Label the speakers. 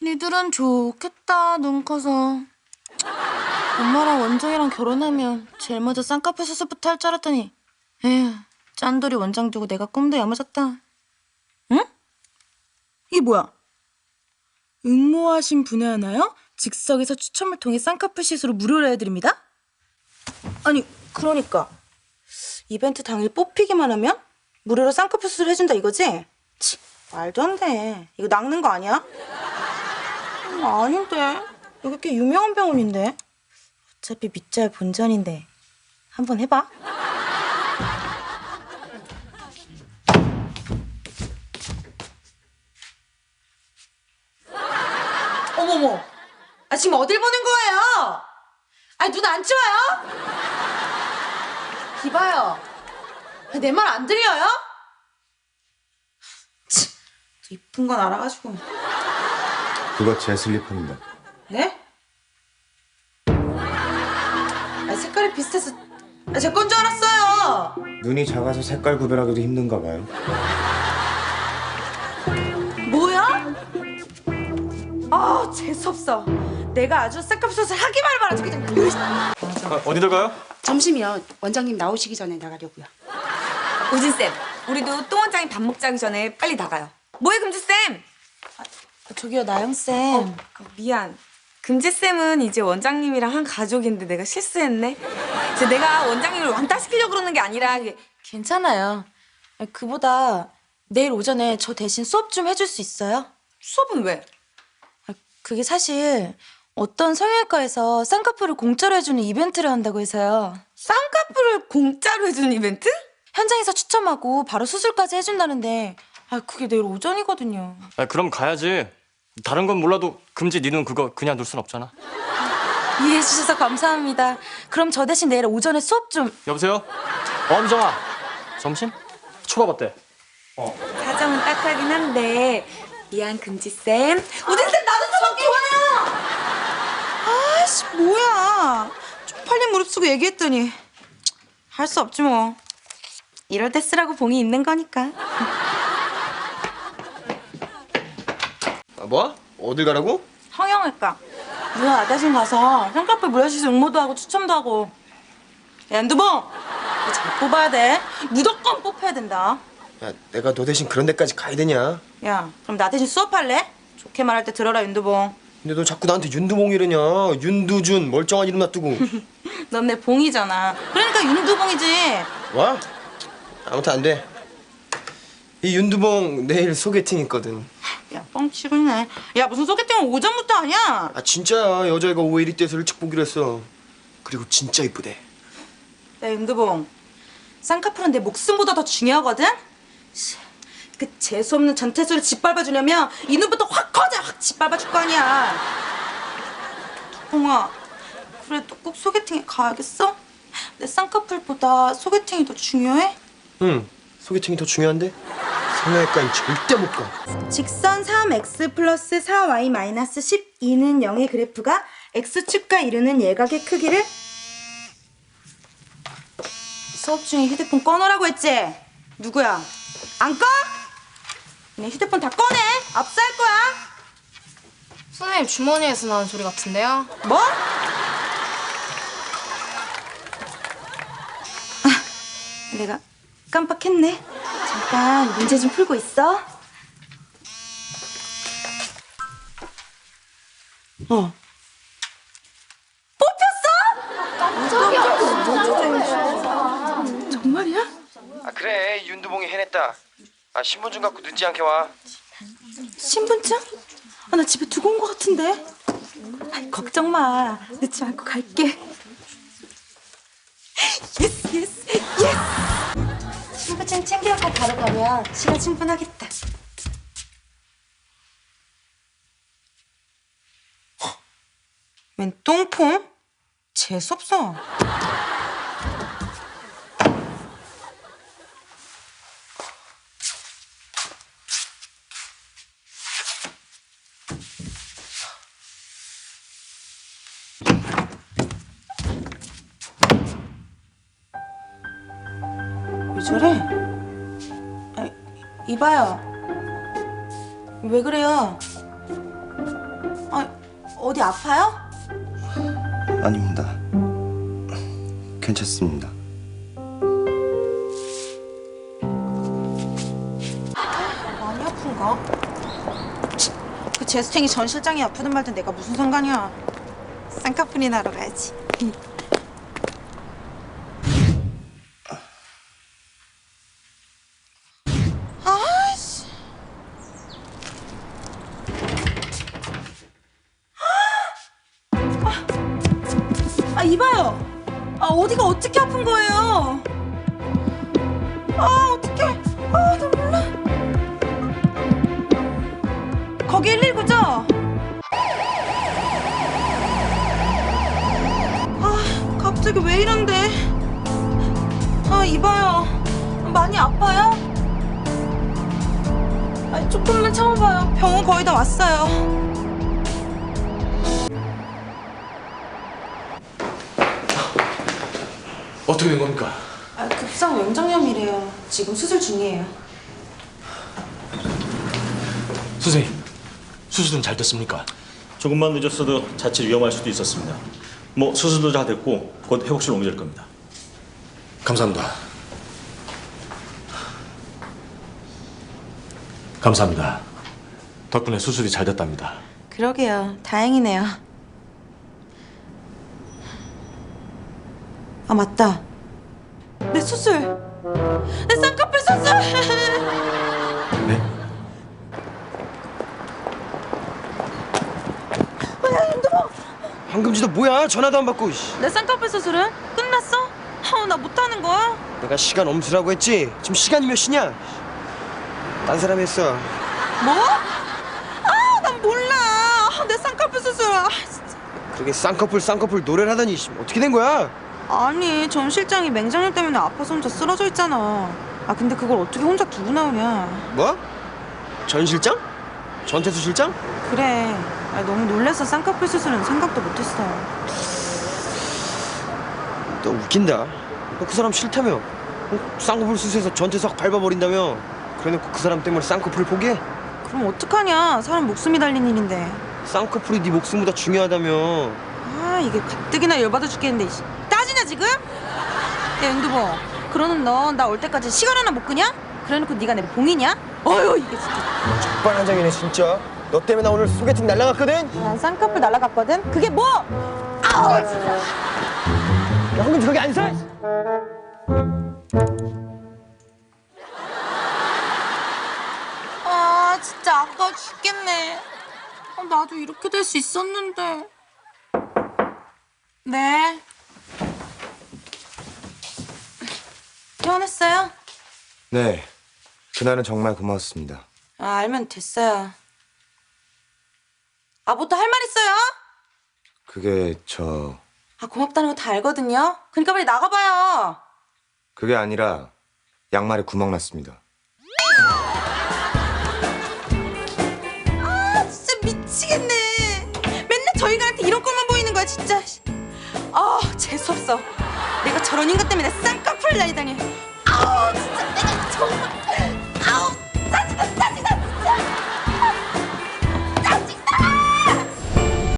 Speaker 1: 니들은 좋겠다, 눈 커서. 엄마랑 원장이랑 결혼하면 제일 먼저 쌍꺼풀 수술부터 할 줄 알았더니 에휴, 짠돌이 원장 두고 내가 꿈도 야무졌다. 응? 이게 뭐야? 응모하신 분에 하나요? 즉석에서 추첨을 통해 쌍꺼풀 시술을 무료로 해드립니다? 아니, 그러니까 이벤트 당일 뽑히기만 하면 무료로 쌍꺼풀 수술 해준다 이거지? 치, 말도 안 돼. 이거 낚는 거 아니야? 아닌데. 여기 꽤 유명한 병원인데. 어차피 믿자야 본전인데. 한번 해봐. 어머머. 아, 지금 어딜 보는 거예요? 아, 눈 안 좋아요? 이봐요. 내 말 안 들려요? 치, 또 이쁜 건 알아가지고.
Speaker 2: 그거 제 슬리퍼입니다.
Speaker 1: 네? 아, 색깔이 비슷해서 제 건 줄 알았어요.
Speaker 2: 눈이 작아서 색깔 구별하기도 힘든가 봐요.
Speaker 1: 뭐야? 아, 재수없어. 내가 아주 쌍꺼풀 수술 하기만 해봐라. 그냥.
Speaker 3: 어디들 가요?
Speaker 4: 점심이요. 원장님 나오시기 전에 나가려고요.
Speaker 5: 우진쌤, 우리도 또 원장님 밥 먹자기 전에 빨리 나가요. 뭐해, 금지쌤?
Speaker 1: 저기요, 나영쌤.
Speaker 5: 미안. 금지쌤은 이제 원장님이랑 한 가족인데 내가 실수했네. 이제 내가 원장님을 왕따시키려고 그러는 게 아니라
Speaker 1: 괜찮아요. 그보다 내일 오전에 저 대신 수업 좀 해줄 수 있어요?
Speaker 5: 수업은 왜?
Speaker 1: 그게 사실 어떤 성형외과에서 쌍꺼풀을 공짜로 해주는 이벤트를 한다고 해서요.
Speaker 5: 쌍꺼풀을 공짜로 해주는 이벤트?
Speaker 1: 현장에서 추첨하고 바로 수술까지 해준다는데 그게 내일 오전이거든요.
Speaker 3: 그럼 가야지. 다른 건 몰라도 금지 니는 그거 그냥 둘 순 없잖아.
Speaker 1: 이해해 주셔서 감사합니다. 그럼 저 대신 내일 오전에 수업 좀...
Speaker 3: 여보세요? 엄정아. 점심? 초밥 어때?
Speaker 5: 사정은 딱하긴 한데 미안, 금지쌤. 우진쌤, 나도 수업 좋아요!
Speaker 1: 아이씨, 뭐야. 쪽팔린 무릎 쓰고 얘기했더니 할 수 없지 뭐. 이럴 때 쓰라고 봉이 있는 거니까.
Speaker 2: 뭐? 어딜 가라고?
Speaker 1: 성형외과. 누나 나 대신 가서 쌍꺼풀 무료시술 응모도 하고 추첨도 하고. 야, 연두봉! 너 잘 뽑아야 돼. 무조건 뽑혀야 된다.
Speaker 2: 야, 내가 너 대신 그런 데까지 가야 되냐?
Speaker 1: 야, 그럼 나 대신 수업할래? 좋게 말할 때 들어라, 윤두봉.
Speaker 2: 근데 너 자꾸 나한테 윤두봉이래냐? 윤두준 멀쩡한 이름 놔두고.
Speaker 1: 넌 내 봉이잖아. 그러니까 윤두봉이지.
Speaker 2: 와? 아무튼 안 돼. 이 윤두봉 내일 소개팅 있거든.
Speaker 1: 야, 뻥치고 있네. 야, 무슨 소개팅은 오전부터 하냐?
Speaker 2: 아 진짜야. 여자애가 오해 일이 돼서 일찍 보기로 했어. 그리고 진짜 이쁘대.
Speaker 1: 야, 윤두봉. 쌍꺼풀은 내 목숨보다 더 중요하거든? 그 재수없는 전태수를 짓밟아주려면 이 눈부터 확 커져! 확 짓밟아줄 거 아니야. 두봉아, 그래도 꼭 소개팅에 가야겠어? 내 쌍꺼풀보다 소개팅이 더 중요해?
Speaker 2: 응. 소개팅이 더 중요한데? 성형외과엔 절대 못 가.
Speaker 1: 직선 3x 플러스 4y 마이너스 12는 0의 그래프가 x축과 이루는 예각의 크기를 수업 중에 휴대폰 꺼놓으라고 했지? 누구야? 안 꺼? 그냥 휴대폰 다 꺼내! 압수할 거야!
Speaker 6: 선생님 주머니에서 나는 소리 같은데요?
Speaker 1: 뭐? 내가 깜빡했네. 잠깐 문제 좀 풀고 있어. 뽑혔어? 정말이야?
Speaker 2: 아 그래. 윤두봉이 해냈다. 아 신분증 갖고 늦지 않게 와.
Speaker 1: 신분증? 나 집에 두고 온 거 같은데. 걱정 마. 늦지 않고 갈게. 예스 예스 예스. 신분증 챙겨갖고 바로 가면 시간 충분하겠다. 웬 똥폼? 재수없어. 왜 저래? 이봐요. 왜 그래요? 어디 아파요?
Speaker 2: 아닙니다. 괜찮습니다.
Speaker 1: 많이 아픈가? 그 제스탱이 전 실장이 아프든 말든 내가 무슨 상관이야. 쌍꺼풀이나 하러 가야지. 아이씨. 이봐요. 어디가 어떻게 아픈 거예요? 어떡해. 나 몰라. 거기 119죠? 갑자기 왜 이런데? 이봐요. 많이 아파요? 조금만 참아봐요. 병원 거의 다 왔어요.
Speaker 7: 어떻게 된 겁니까?
Speaker 1: 급성 맹장염이래요. 지금 수술 중이에요.
Speaker 7: 선생님, 수술은 잘 됐습니까?
Speaker 8: 조금만 늦었어도 자칫 위험할 수도 있었습니다. 뭐 수술도 다 됐고 곧 회복실 옮겨질 겁니다.
Speaker 7: 감사합니다. 감사합니다. 덕분에 수술이 잘 됐답니다.
Speaker 1: 그러게요. 다행이네요. 맞다. 내 수술. 내 쌍꺼풀 수술.
Speaker 7: 네?
Speaker 2: 황금지도 뭐야? 전화도 안 받고.
Speaker 1: 내 쌍꺼풀 수술은 끝났어? 나 못하는 거야?
Speaker 2: 내가 시간 엄수라고 했지? 지금 시간이 몇 시냐? 딴 사람이 했어.
Speaker 1: 뭐? 난 몰라. 내 쌍꺼풀 수술. 진짜.
Speaker 2: 그러게 쌍꺼풀 노래를 하더니 어떻게 된 거야?
Speaker 1: 아니, 전 실장이 맹장염 때문에 아파서 혼자 쓰러져 있잖아. 근데 그걸 어떻게 혼자 두고 나오냐.
Speaker 2: 뭐? 전 실장? 전태수 실장?
Speaker 1: 그래. 너무 놀라서 쌍꺼풀 수술은 생각도 못했어.
Speaker 2: 너 웃긴다. 너 그 사람 싫다며? 쌍꺼풀 수술해서 전태수 확 밟아버린다며? 그래놓고 그 사람 때문에 쌍꺼풀을 포기해?
Speaker 1: 그럼 어떡하냐. 사람 목숨이 달린 일인데.
Speaker 2: 쌍꺼풀이 네 목숨보다 중요하다며.
Speaker 1: 이게 가뜩이나 열받아 죽겠는데. 따지냐 지금? 야 윤두보, 그러는 너 나 올 때까지 시간 하나 못 끄냐? 그래놓고 네가 내 봉이냐? 이게 진짜.
Speaker 2: 적반하장이네 진짜. 너 때문에 나 오늘 소개팅 날라갔거든?
Speaker 1: 난 쌍꺼풀 날아갔거든? 그게 뭐? 진짜.
Speaker 2: 야 황금지 거기 안 서!
Speaker 1: 진짜 아까워 죽겠네. 나도 이렇게 될 수 있었는데. 네. 퇴원했어요?
Speaker 9: 네, 그날은 정말 고마웠습니다.
Speaker 1: 알면 됐어요. 뭐 또 할 말 있어요?
Speaker 9: 그게
Speaker 1: 고맙다는 거 다 알거든요. 그러니까 빨리 나가봐요.
Speaker 9: 그게 아니라 양말에 구멍 났습니다.
Speaker 1: 진짜 미치겠네. 맨날 저희들한테 이런 것만 보이는 거야 진짜. 재수없어. 내가 저런 인간 때문에 쌍꺼풀을 날리다니. 진짜 내가 정말.